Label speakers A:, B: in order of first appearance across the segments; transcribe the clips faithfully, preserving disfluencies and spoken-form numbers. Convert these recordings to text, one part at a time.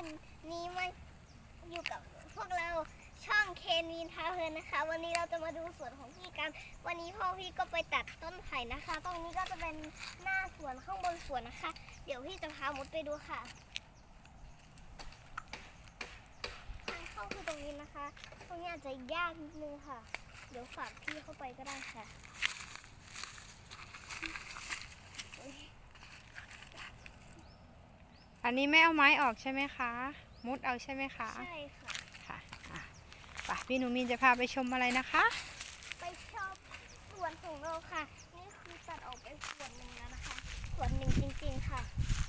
A: วันนี้มาอยู่กับพวกเราช่องเคนวีนพาเพลินนะคะวันนี้เราจะมาดูสวนของพี่กันวันนี้พ่อพี่ก็ไปตัดต้นไผ่นะคะตรงนี้ก็จะเป็นหน้าสวนข้างบนสวนนะคะเดี๋ยวพี่จะพามดไปดูค่ะทางเข้าคือตรงนี้นะคะตรงนี้อาจจะยากนิดนึงค่ะเดี๋ยวฝากพี่เข้าไปก็ได้ค่ะ
B: อันนี้ไม่เอาไม้ออกใช่ไหมคะมุดเอาใช่ไหมคะ
A: ใช่ค่ะ
B: ค่ะอ่ะไปพี่หนูมีนจะพาไปชมอะไรนะคะ
A: ไปชมสวนของเราค่ะนี่คือตัดออกไปส่วนหนึ่งแล้วนะคะส่วนหนึ่งจริงๆค่ะ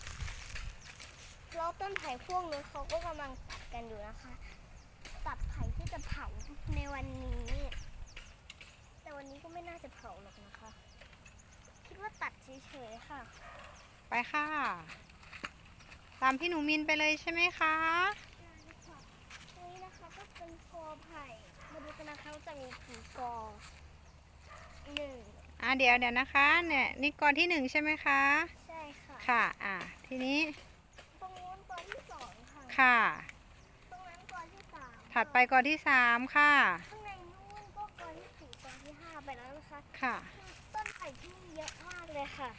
A: แล้วต้นไผ่พวกนี้เขาก็กำลังตัดกันอยู่นะคะตัดไผ่ที่จะเผาในวันนี้แต่วันนี้ก็ไม่น่าจะเผาหรอกนะคะคิดว่าตัดเฉยๆค่ะ
B: ไปค่ะตามพี่หนูมินไปเลยใช่ไหมคะ
A: นี่นะคะก็เป็นกอไผ่มาดูกันนะคะจะมีกี่กอหนึ่ง
B: อ่ะเดี๋ยวเดี๋ยวนะคะเนี่ยนี่กอที่หนึ่งใช่ไหมคะ
A: ใช่ค่ะ
B: ค่ะอ่ะทีนี้
A: ตรงนู้นกอที่สองค่ะ
B: ค่ะ
A: ตรงนั้นกอที่สาม
B: ถัดไปกอที่สามค่ะ
A: ข้างในนู้นก็กอที่สี่กอที่ห้าไปแล้วนะคะ
B: ค่ะ
A: ต้นไผ่ที่เยอะมากเลยค่ะ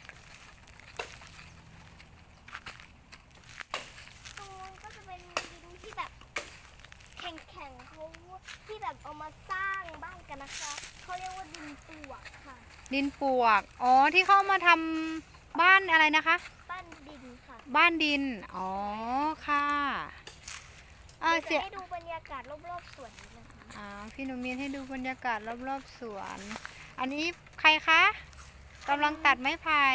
A: ตรงนู้นก็จะเป็นดินที่แบบแข็งๆเขาที่แบบเอามาสร้างบ้านกันนะคะเขาเรียกว่าดินปลวกค่ะ
B: ดินปลวกอ๋อที่เข้ามาทำบ้านอะไรนะคะ
A: บ้านดินค่ะ
B: บ้านดินอ๋อค่ะ
A: อ่าเสียให้ดูบรรยากาศรอบๆสวนนี้นะคะ
B: อ่าพี่หนูมีนให้ดูบรรยากาศรอบๆสวนอันนี้ใครคะกำลังตัดไม้ไผ่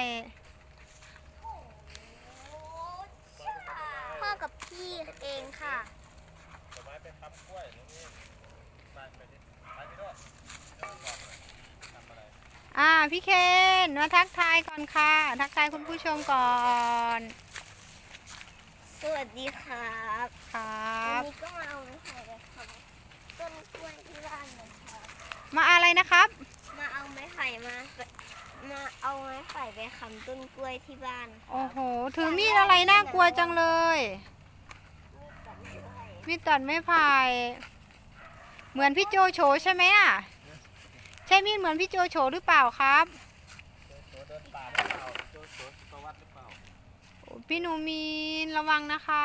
A: พ่อกับพี่เองค่ะ
C: ไม้เป็นทำกล้วยนี่ไปไปดิไปดิด้วยทำอะไร
B: อ่าพี่เคนมาทักทายก่อนค่ะทักทายคุณผู้ชมก่อน
A: สวัสดีครับ
B: ครับ
A: วันนี้ก็มาเอาไม้ไผ่เลยครับต้นกล้วยที่บ้านเลยครับ
B: มาอะไรนะครับ
A: มาเอาไม้ไผ่มามาเอาไม้ไผ่ไปค้ำต้นกล้วยที่บ้าน
B: โอ้โหถือมีดอะไรน่ากลัวจังเลยมีดตัดไม้ไผ่เหมือนพี่โจโฉใช่ไหมอ่ะใช่มีดเหมือนพี่โจโฉหรือเปล่าครับ
C: เดินป่าหรือเปล่าโจโฉประวัติหรือเปล่า
B: พี่หนูมีนระวังนะคะ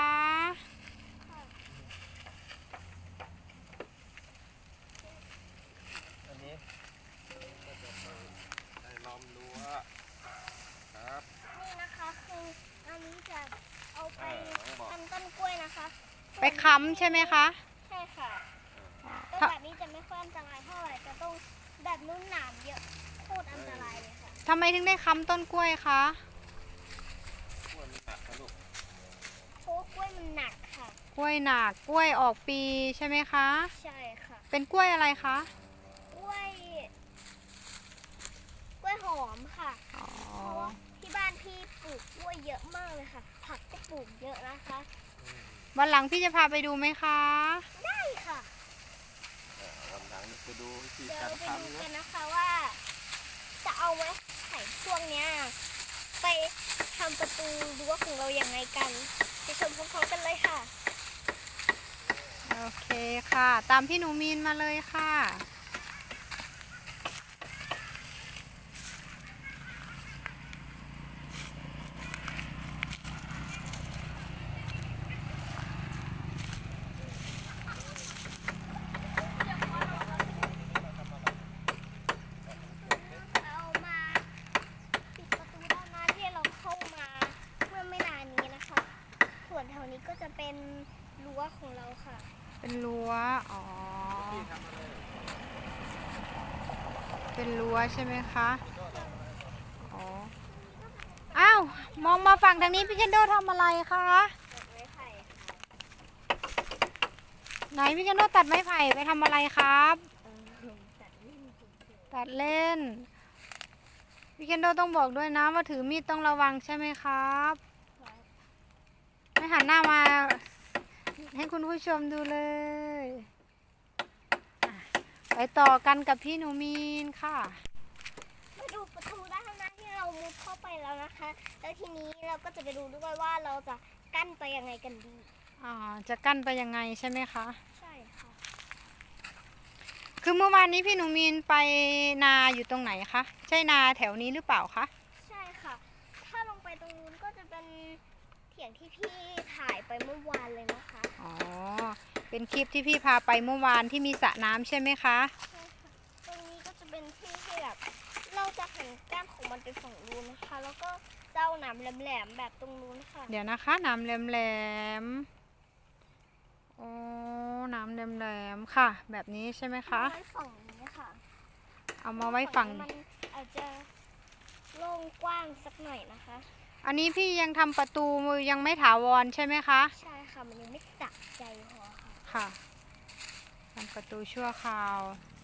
C: อันนี้ก็จะได้ล้อมรั้วครับ
A: นี่นะคะคืออันนี้จะเอาไปทำต้นกล้วยนะคะ
B: ไปค้ำใช่ไหมคะ
A: ใช่ค่ะต้นแบบนี้จะไม่ค่อยอันตรายเท่าไหร่จะต้องแบบนุ่นหนามเยอะโคตรอันตรายเลยค่ะ
B: ทำไมถึงได้ค้ำต้นกล้วยคะ
C: กล้วยมันหนักนะลูก
A: เพราะกล้วยมันหนักค่ะ
B: กล้วยหนักกล้วยออกปีใช่ไหมคะ
A: ใช่ค่ะ
B: เป็นกล้วยอะไรคะ
A: กล้วยกล้วยหอมค่ะเพราะว่าที่บ้านพี่ปลูกกล้วยเยอะมากเลยค่ะผักก็ปลูกเยอะนะคะ
B: วันหลังพี่จะพาไปดูไหมคะ
A: ได้ค่ะ
C: วันหลังจะดูวิธี
A: เดี๋ย
C: กาว ร
A: ไปดู
C: ทำ
A: กันนะคะว่าจะเอาไว้ไข่พวกเนี้ยไปทำประตูรั้วของเราอย่างไงกันไปชมพร้อมๆกันเลยค่ะ
B: โอเคค่ะตามพี่หนูมีนมาเลยค่ะ
A: เอามาปิดประตูด้านหน้าที่เราเข้ามาเมื่อไม่นานนี้นะคะส่วนแถวนี้ก็จะเป็นรั้วของเราค่ะ
B: เป็นรั้วอ๋อเป็นรั้วใช่ไหมคะอ๋ออ้าวมองมาฝั่งทางนี้พี่เคนโดทำอะไรคะ
A: ตัดไม้ไผ่
B: ไหนพี่เคนโดตัดไม้ไผ่ไปทำอะไรครับ
A: ตัดเล่น
B: ตัดเล่นพี่เคนโดต้องบอกด้วยนะว่าถือมีดต้องระวังใช่ไหมครับไม่หันหน้ามาให้คุณผู้ชมดูเลยไปต่อกันกับพี่หนูมีนค่ะ
A: มาดูประตูด้านหน้าที่เรามุดเข้าไปแล้วนะคะแล้วทีนี้เราก็จะไปดูด้วยว่าเราจะกั้นไปยังไงกันดี
B: อ่าจะกั้นไปยังไงใช่ไหมคะ
A: ใช่ค่ะ
B: คือเมื่อวานนี้พี่หนูมีนไปนาอยู่ตรงไหนคะ ใช่นาแถวนี้หรือเปล่าคะ
A: ใช่ค่ะ ถ้าลงไปตรงนู้นก็จะเป็นเถียงที่พี่ถ่ายไปเมื่อวานเลยนะคะ
B: อ๋อ เป็นคลิปที่พี่พาไปเมื่อวานที่มีสระน้ำใช่ไหมคะ
A: ใช่ค่ะ ตรงนี้ก็จะเป็นที่ที่แบบเราจะหันก้านของมันไปฝั่งนู้นนะคะ แล้วก็เจ้าหนามแหลมๆแบบตรงนู้นค่ะ
B: เดี๋ยวนะคะน้ำแหลมๆโอ้น้ำแหลมๆค่ะ แบบนี้ใช่ไหมคะ
A: ไว้ฝั่งนี้ค่ะ
B: เอามาไว้ฝั่ง
A: มันอาจจะโล่งกว้างสักหน่อยนะคะ
B: อันนี้พี่ยังทำประตูยังไม่ถาวรใช่ไหมคะ
A: ใช่ค่ะ มันยังไม่สะใจพอค่ะ
B: ค่ะทำประตูชั่วคราว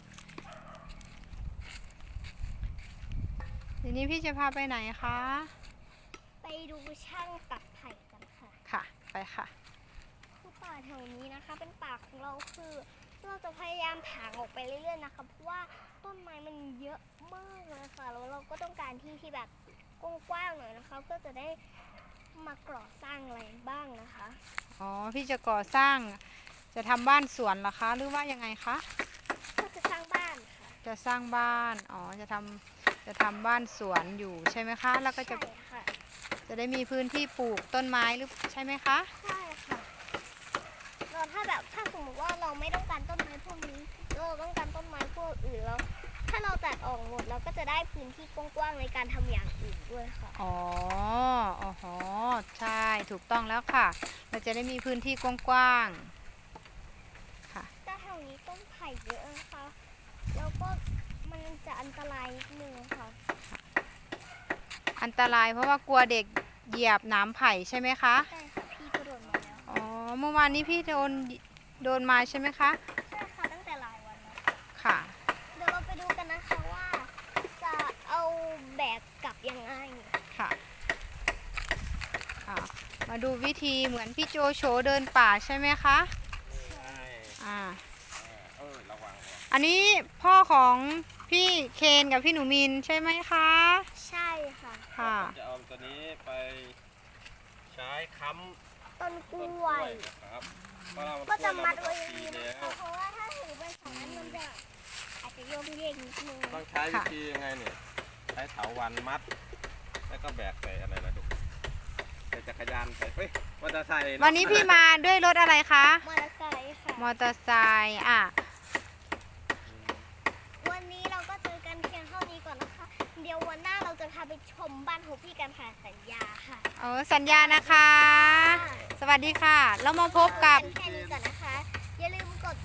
B: ทีนี้พี่จะพาไปไหนคะ
A: ไปดูช่างตัดไผ่กันค่ะ
B: ค่ะ ไปค่ะ
A: คือป่าแถวนี้นะคะ เป็นป่าของเราคือเราจะพยายามถางออกไปเรื่อยๆนะคะเพราะว่าต้นไม้มันเยอะมากเลยค่ะแล้วเราก็ต้องการที่ที่แบบกว้างๆหน่อยนะคะเพื่อจะได้มาก่อสร้างอะไรบ้างนะคะ
B: อ๋อ พี่จะก่อสร้าง จะทำบ้านสวนเหรอคะ หรือว่ายังไงคะ
A: ก็จะสร้างบ้านค่ะ
B: จะสร้างบ้าน อ๋อ จะทำจะทำบ้านสวนอยู่ใช่ไหมคะ แล้วก็จะ
A: ใช่ค่ะ
B: จะได้มีพื้นที่ปลูกต้นไม้หรือใช่ไหมคะ
A: ใช่ค่ะเราถ้าแบบถ้าสมมติว่าเราไม่ต้องการต้นไม้พวกนี้เราต้องการต้นไม้พวกอื่นแล้ว ถ้าเราตัดออกหมดเราก็จะได้พื้นที่กว้างๆในการทำอย่างอื่นด้วยค่ะ
B: อ๋ออ๋อใช่ ถูกต้องแล้วค่ะ เราจะได้มีพื้นที่กว้างๆ ค่ะ
A: แต่แถวนี้ต้นไผ่เยอะนะคะ แล้วก็มันจะอันตรายนิดนึงค่ะ
B: อันตรายเพราะว่ากลัวเด็กเหยียบหนามไผ่ใช่ไหมคะ
A: ใช่ค่ะพี่ก็โดนมาแล้ว
B: อ๋อ เมื่อวานนี้พี่โดนโดนมาใช่ไหมคะ
A: ใช่ค่ะตั้งแต่หลายวันแล้ว
B: ค่ะ
A: เดี๋ยวเราไปดูกันนะคะว่าจะเอาแบกกลับยังไง
B: ค่ะอ่ามาดูวิธีเหมือนพี่โจโฉเดินป่าใช่ไหมคะ
C: ใช่
B: อ่า
C: เออระวังระวัง
B: อันนี้พ่อของพี่เคนกับพี่หนูมินใช่ไหมคะ
A: ใช่ค่ะ
B: ค่ะ
C: จะเอาตัวนี้ไปใช้ค้ำ
A: ต้นก
C: ต้น
A: ล้
C: ก
A: ว
C: ล้วย ยนะครับเพราะเรา
A: ก็จะมัด
C: กล้
A: ไว้
C: วย
A: อย่าง
C: เรา
A: นี้
C: มา
A: นะ
C: ตั
A: คะ
C: ด
A: เพราะว่าถ้าถือไปสองนั้นมันจะอาจจะโยงเยกนิดนึง
C: ทีแล้วต้องใช้วิธียังไงเนี่ยใช้เถาวันมัด แล้วก็แบกใส่อะไรนะดูใส่จักรยานใส่เฮ้ยมอเตอร์ไซค์ะ
B: วันนี้พี่มาด้วยรถอะไรคะ
A: มอเตอร์ไซค์ค่ะ
B: มอเตอร์ไซค์อ่ะ
A: วันนี้เราก็เจอกันเพียงเท่านี้ก่อนนะคะ เดี๋ยววันหน้าเราจะพาไปชมบ้านของพี่กันค่ะสัญญาค่ะ
B: เออสัญญานะคะ สวัสดีค่ะ เรามาพบกับ
A: แค่นี้ก่อนนะคะ อย่าลืมกด